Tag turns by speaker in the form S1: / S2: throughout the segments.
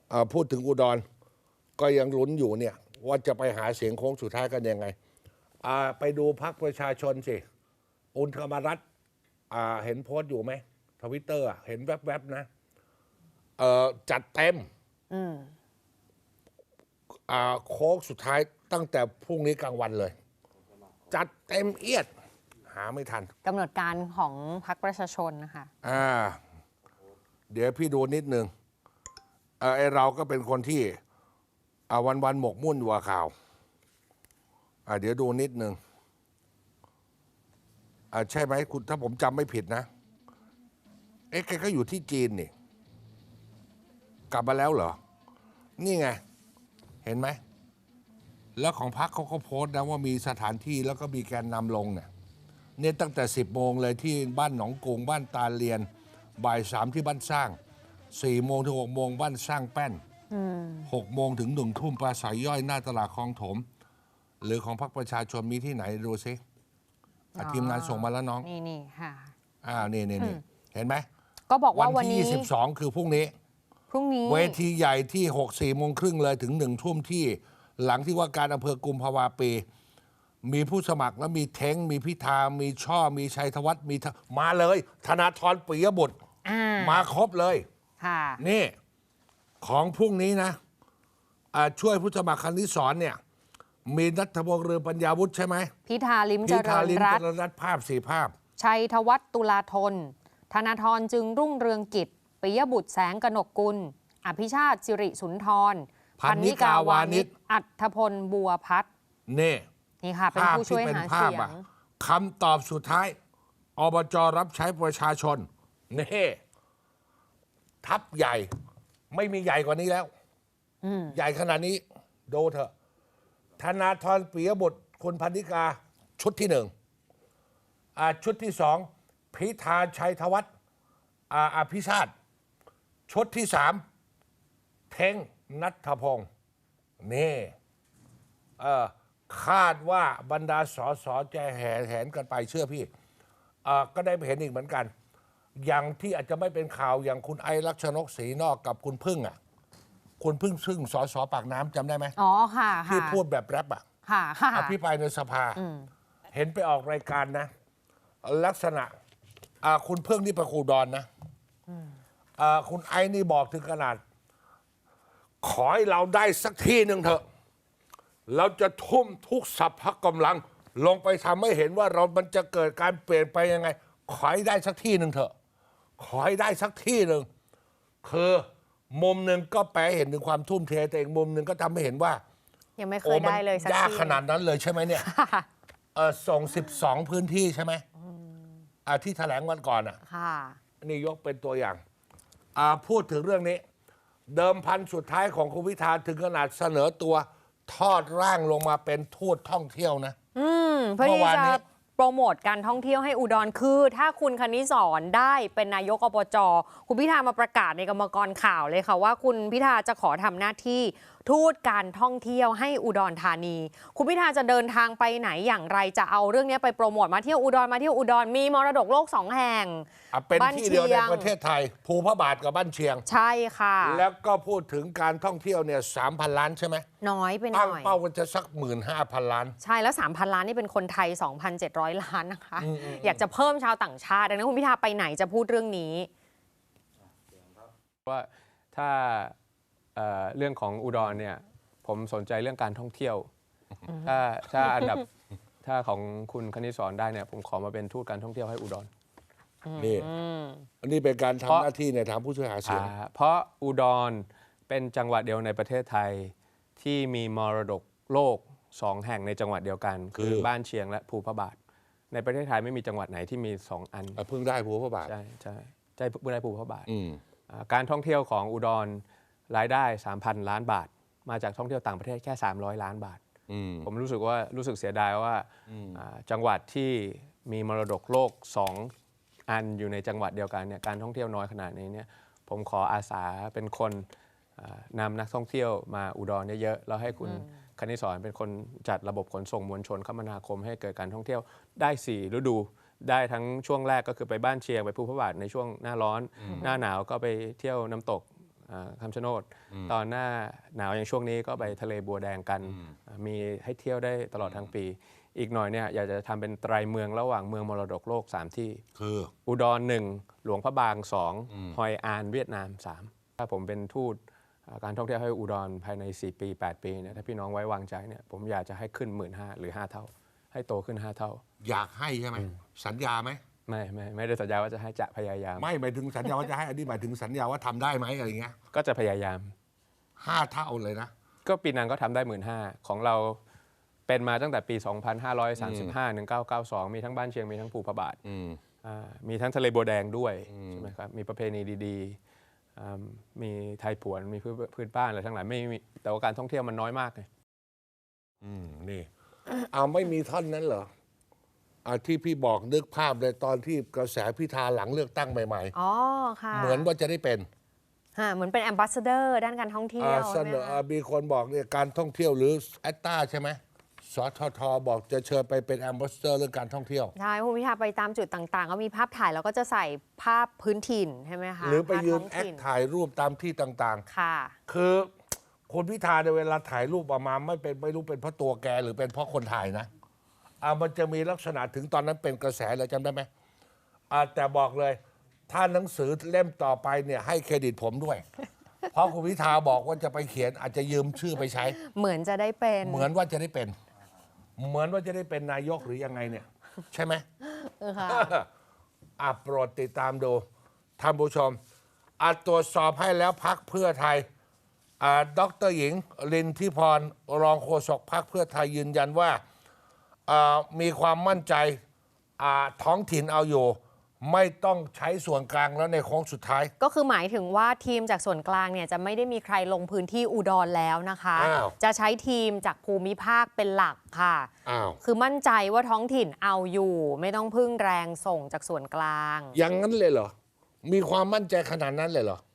S1: พูดถึงอุดรก็ยังลุ้นอยู่เนี่ยว่าจะไปหาเสียงโค้งสุดท้ายกันยังไงไปดูพรรคประชาชนสิอุณธรรมรัฐเห็นโพสต์อยู่ไหมทวิตเตอร์เห็นแวบๆนะจัดเต็มโค้งสุดท้ายตั้งแต่พรุ่งนี้กลางวันเลยจัดเต็มเอียดหาไม่ทัน
S2: กำหนดการของพรรคประชาชนนะคะ
S1: เดี๋ยวพี่ดูนิดนึงไอเราก็เป็นคนที่วันหมกมุ่นอยู่กับข่าวเดี๋ยวดูนิดนึงใช่ไหมคุณถ้าผมจำไม่ผิดนะแกก็อยู่ที่จีนนี่กลับมาแล้วเหรอนี่ไงเห็นไหมแล้วของพรรคเขาก็โพสต์นะว่ามีสถานที่แล้วก็มีแกนนำลงเนี่ยตั้งแต่10 โมงเลยที่บ้านหนองกรุงบ้านตาเลียนบ่าย3ที่บ้านสร้าง4 โมงถึง6 โมงบ้านสร้างแป้น6 โมงถึง1 ทุ่มปราศัยย่อยหน้าตลาดคลองถมหรือของพรรคประชาชนมีที่ไหนดูซิทีมงานส่งมาแล้วน้อง
S2: นี่ค่ะ
S1: นี่เห็นไหม
S2: ก็บอกว่าวันที่
S1: 22คือพรุ่งนี้เวทีใหญ่ที่4 โมงครึ่งเลยถึง1 ทุ่มที่หลังที่ว่าการอำเภอกุมภาวาปีมีผู้สมัครแล้วมีเท้งมีพิธามีช่อมีชัยธวัฒน์มีมาเลยธนาธรปิยบุตรมาครบเลยนี่ของพรุ่งนี้นะช่วยผู้สมัครคณิสรเนี่ยมีณัฐพงษ์เรืองปัญญาวุฒิใช่ไหม
S2: พิธาลิ้มเจริญรัตน์
S1: ภาพ4 ภาพ
S2: ชัยธวัฒน์ตุลาธนธนาธรจึงรุ่งเรืองกิจปิยบุตรแสงกนกกุลอภิชาติสิริสุนทรพันนิกาวานิชอัฏฐพลบัวพัฒน์นี่ค่ะเป็นผู้ช่วยหาเสียง
S1: คำตอบสุดท้ายอบจ.รับใช้ประชาชนนี่ทัพใหญ่ไม่มีใหญ่กว่านี้แล้วใหญ่ขนาดนี้ดูเถอะธนาธรปิยบุตรคุณพันนิกาชุดที่1ชุดที่2พิธาชัยธวัฒน์อภิชาติชุดที่3เท้งณัฐพงษ์นี่คาดว่าบรรดาสสจะแห่แหนกันไปเชื่อพี่ก็ได้ไปเห็นอีกเหมือนกันอย่างที่อาจจะไม่เป็นข่าวอย่างคุณไอลักษณกศรีนอกกับคุณพึ่งคุณพึ่งซึ่งสสปากน้ำจำได้ไหม
S2: ค่ะ
S1: ที่พูดแบบแรปอภิปรายในสภาเห็นไปออกรายการนะลักษณะคุณพึ่งนี่ประคูดอนนะคุณไอนี่บอกถึงขนาดขอให้เราได้สักที่หนึ่งเถอะเราจะทุ่มทุกสรรพกำลังลงไปทำให้เห็นว่ามันจะเกิดการเปลี่ยนไปยังไงขอให้ได้สักที่หนึ่งเถอะขอให้ได้สักที่หนึ่งคือมุมหนึ่งก็แปลเห็นถึงความทุ่มเทแต่อีกมุมหนึ่งก็ทำให้เห็นว่า
S2: ยังไม่เคยได้เลยสักที่
S1: ยากขนาดนั้นเลยใช่ไหมเนี่ยส่ง12 พื้นที่ใช่ไหมที่แถลงวันก่อนนี่ยกเป็นตัวอย่างพูดถึงเรื่องนี้เดิมพันสุดท้ายของคุณพิธาถึงขนาดเสนอตัวทอดร่างลงมาเป็นทูตท่องเที่ยวนะ
S2: เพื่อที่จะโปรโมทการท่องเที่ยวให้อุดรคือถ้าคุณคณิสรได้เป็นนายกอบจ.คุณพิธามาประกาศในกรรมกรข่าวเลยค่ะว่าคุณพิธาจะขอทำหน้าที่ทูตการท่องเที่ยวให้อุดรธานีคุณพิธาจะเดินทางไปไหนอย่างไรจะเอาเรื่องนี้ไปโปรโมทมาเที่ยวอุดรมีมรดกโลก2 แห่ง
S1: เป็นที่เดียวในประเทศไทยภูพระบาทกับบ้านเชียง
S2: ใช่ค่ะ
S1: แล้วก็พูดถึงการท่องเที่ยวเนี่ย3,000 ล้านใช่ไหม
S2: น้อยไปหน่อย
S1: ตั้งเป้ากันจะสัก15,000 ล้าน
S2: ใช่แล้ว3,000 ล้านนี่เป็นคนไทย 2,700 ล้านนะคะอยากจะเพิ่มชาวต่างชาติดังนั้นคุณพิธาไปไหนจะพูดเรื่องนี้
S3: ว่าถ้าเรื่องของอุดรเนี่ยผมสนใจเรื่องการท่องเที่ยวถ้าอันดับถ้าของคุณคณิสรได้เนี่ยผมขอมาเป็นทูตการท่องเที่ยวให้อุดร
S1: นี่อันนี้เป็นการทำหน้าที่ในทางผู้ช่วยหาเสียง
S3: เพราะอุดรเป็นจังหวัดเดียวในประเทศไทยที่มีมรดกโลก2 แห่งในจังหวัดเดียวกันคือบ้านเชียงและภูพระบาทในประเทศไทยไม่มีจังหวัดไหนที่มี2 อัน
S1: เพิ่งได้ภูพระบาท
S3: ใช่เพิ่งได้ภูพระบาทการท่องเที่ยวของอุดรรายได้ 3,000 ล้านบาทมาจากท่องเที่ยวต่างประเทศแค่300 ล้านบาทผมรู้สึกเสียดายว่าจังหวัดที่มีมรดกโลก2 อันอยู่ในจังหวัดเดียวกันเนี่ยการท่องเที่ยวน้อยขนาดนี้เนี่ยผมขออาสาเป็นคนนำนักท่องเที่ยวมาอุดรเยอะๆแล้วให้คุณคณิสรเป็นคนจัดระบบขนส่งมวลชนคมนาคมให้เกิดการท่องเที่ยวได้4 ฤดูได้ทั้งช่วงแรกก็คือไปบ้านเชียงไปภูพระบาทในช่วงหน้าร้อนหน้าหนาวก็ไปเที่ยวน้ำตกคำชะโนด ตอนหน้าหนาวอย่างช่วงนี้ก็ไปทะเลบัวแดงกัน มีให้เที่ยวได้ตลอดทั้งปี อีกหน่อยเนี่ยอยากจะทำเป็นไตรเมืองระหว่างเมืองมรดกโลก 3 ที่
S1: คือ
S3: อุดร 1 หลวงพระบาง 2 ฮอยอานเวียดนาม 3 ถ้าผมเป็นทูตการท่องเที่ยวให้อุดรภายใน 4 ปี 8 ปีเนี่ยถ้าพี่น้องไว้วางใจเนี่ยผมอยากจะให้ขึ้น 15,000 หรือ 5 เท่า ให้โตขึ้น 5 เท่า
S1: อยากให้ใช่ไหมสัญญาไหม
S3: ไม่ได้สัญญาว่าจะให้จะพยายาม
S1: ไม่หมายถึงสัญญาว่าจะให้อันนี้หมายถึงสัญญาว่าทำได้ไหมอะไรเงี้ย
S3: ก็จะพยายาม
S1: 5 เท่าเลยนะ
S3: ก็ปีนังก็ทำได้ 15,000 ของเราเป็นมาตั้งแต่ปี 2535 1992 มีทั้งบ้านเชียงมีทั้งภูพระบาทมีทั้งทะเลบัวแดงด้วยใช่ไหมครับมีประเพณีดีๆมีไทยผวนมีพื้นบ้านอะไรทั้งหลายไม่มีแต่ว่าการท่องเที่ยวมันน้อยมากไง
S1: นี่ เอาไม่มีท่อนนั้นเหรอที่พี่บอกนึกภาพเลยตอนที่กระแสพิธาหลังเลือกตั้งใหม่
S2: อ๋อค่ะ
S1: ๆ เหมือนว่าจะได้เป็น
S2: เหมือนเป็นแอมบาสเดอร์ด้านการท่องเที่ยว
S1: เส
S2: ใช่ไห
S1: น
S2: ม
S1: อ
S2: คะ
S1: มีคนบอกเนี่ยการท่องเที่ยวหรือแอตตาใช่ไหมสททบอกจะเชิญไปเป็นแอมบาสเดอร์เรื่องการท่องเที่ยว
S2: ใช่คุณพิธาไปตามจุดต่างๆ ก็มีภาพถ่ายแล้วก็จะใส่ภาพพื้นถิ่นใช่ไหมคะ
S1: หรือไปยืน
S2: ภาพท้ง
S1: แอค
S2: ถิ่น
S1: ถ่ายรูปตามที่ต่าง
S2: ค่ะ
S1: ๆ คือคุณพิธาในเวลาถ่ายรูปออกมาไม่รู้เป็นเพราะตัวแกหรือเป็นเพราะคนถ่ายนะมันจะมีลักษณะถึงตอนนั้นเป็นกระแสเลยจำได้ไหมแต่บอกเลย ถ้าหนังสือเล่มต่อไปเนี่ยให้เครดิตผมด้วย เพราะคุณพิธาบอกว่าจะไปเขียนอาจจะยืมชื่อไปใช้
S2: เหมือนจะได้เป็น
S1: เหมือนว่าจะได้เป็น เหมือนว่าจะได้เป็นนายกหรือยังไงเนี่ย ใช่ไหม
S2: ค่ะ
S1: โปรดติดตามดูท่านผู้ชมตรวจสอบให้แล้วพักเพื่อไทยดร.หญิงลินทิพรรองโฆษกพักเพื่อไทยยืนยันว่ามีความมั่นใจท้องถิ่นเอาอยู่ ไม่ต้องใช้ส่วนกลางแล้วในโค้งสุดท้าย
S2: ก็คือหมายถึงว่าทีมจากส่วนกลางเนี่ยจะไม่ได้มีใครลงพื้นที่อุดรแล้วนะคะ
S1: อ้าว
S2: จะใช้ทีมจากภูมิภาคเป็นหลักค่ะ คือมั่นใจว่าท้องถิ่นเอาอยู่ ไม่ต้องพึ่งแรงส่งจากส่วนกลาง
S1: อย่างนั้นเลยเหรอ มีความมั่นใจขนาดนั้นเลยเหรอ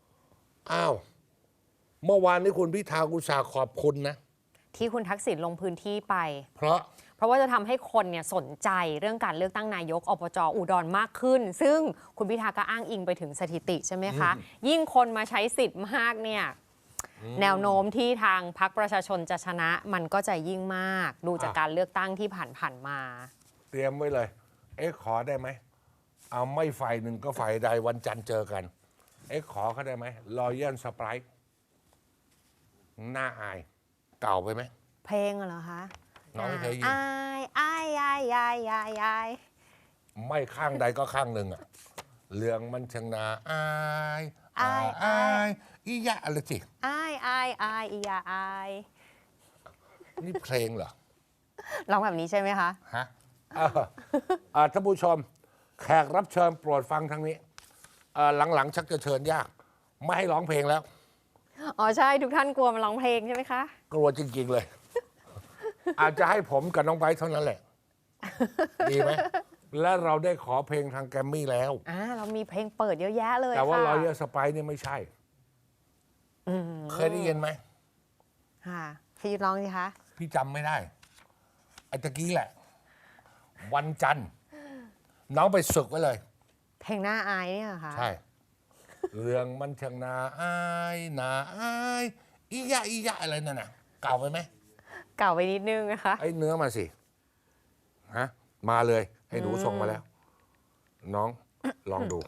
S1: เมื่อวานนี้คุณพิธาอุตสาห์ขอบคุณนะ
S2: ที่คุณทักษิณลงพื้นที่ไป
S1: เพราะ
S2: เพราะว่าจะทำให้คนเนี่ยสนใจเรื่องการเลือกตั้งนายกอบจอุดรมากขึ้น ซึ่งคุณพิธาก็อ้างอิงไปถึงสถิติใช่ไหมคะ ยิ่งคนมาใช้สิทธิ์มากเนี่ยแนวโน้มที่ทางพรรคประชาชนจะชนะมันก็จะยิ่งมากดูจากการเลือกตั้งที่ผ่านมา
S1: เตรียมไว้เลย ขอได้ไหม เอาไม่ฝ่ายหนึ่งก็ฝ่ายใดวันจันทร์เจอกัน ขอเขาได้ไหมรอยัลสไปร์หน้าอาย เก่าไปไหม
S2: เพลงเหรอคะ
S1: น้องไม่เคยยิน
S2: อายอายอายอายอายอาย
S1: ไม่ข้างใดก็ข้างหนึ่งเรื่องมันชงนาอายอียะอะไรสิ
S2: อายอายอายอียาอาย
S1: นี่เพลงเหรอ
S2: ร้องแบบนี้ใช่ไหมคะ
S1: ฮะท่านผู้ชม แขกรับเชิญโปรดฟังทางนี้หลังๆชักจะเชิญยาก ไม่ให้ร้องเพลงแล้ว
S2: อ๋อใช่ทุกท่านกลัวมาร้องเพลงใช่ไหมคะ
S1: กลัวจริง ๆ เลย อาจจะให้ผมกับน้องไบร์ทเท่านั้นแหละ ดีไหม และเราได้ขอเพลงทางแกรมมี่แล้ว
S2: เรามีเพลงเปิดเยอะแยะเลย
S1: แต่ว่า
S2: ค่ะ
S1: รอยสไปร์นี่ไม่ใช่ เคยได้ยินไหม
S2: ค่ะพี่ยุทธร้องสิคะ
S1: พี่จำไม่ได้ไอ้ตะกี้แหละ วันจันทร์ น้องไปศึกไว้เลย
S2: เพลงหน้าอายเนี่ยเหรอคะ
S1: ใช่ เรื่องมันช่างน่าอายน่าอายอียะอียะอะไรนั่นน่ะ เก่าไปไหม
S2: เก่าไปนิดนึงนะคะ
S1: ไอ้เนื้อมาสิ ฮะ มาเลยให้หนูส่งมาแล้ว น้อง ลองดู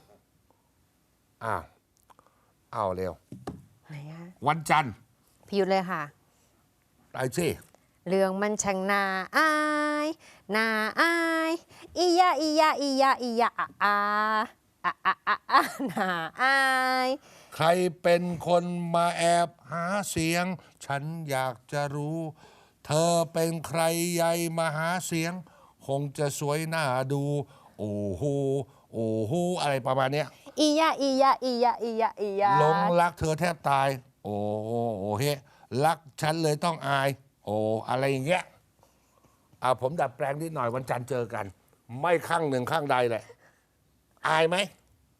S1: อ้าวเร็ว
S2: ไหนคะ
S1: วันจันทร์
S2: พี่ยุทธเลยค่ะ
S1: ไปสิ
S2: เรื่องมันช่างน่าอายน่าอายอียะอียะอียะอียะอาน่าอาย
S1: ใครเป็นคนมาแอบหาเสียง ฉันอยากจะรู้ เธอเป็นใครใหญ่มาหาเสียง คงจะสวยน่าดู โอ้โหโอ้โหอะไรประมาณเนี้ย
S2: อียะอียะอียะอียะอียะ
S1: หลงรักเธอแทบตาย โอ้โหโอ้เฮรักฉันเลยต้องอาย โอ้อะไรอย่างเงี้ยผมดัดแปลงนิดหน่อยวันจันทร์เจอกัน ไม่ข้างหนึ่งข้างใดเลยอายไหม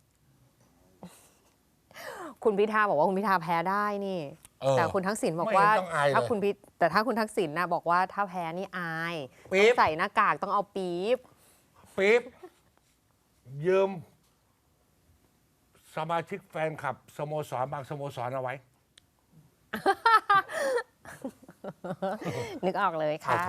S2: คุณพิธาบอกว่าคุณพิธาแพ้ได้นี่ แต่คุณทักษิณบอกว่า
S1: ไม่เห็นต้องอายเลย
S2: ถ้าคุณทักษิณนะบอกว่าถ้าแพ้นี่อาย
S1: ปี๊บ
S2: ต้องใส่หน้ากากต้องเอาปี๊บ
S1: ปี๊บยืมสมาชิกแฟนคลับสโมสรบางสโมสรเอาไว้
S2: นึกออกเลยค่ะ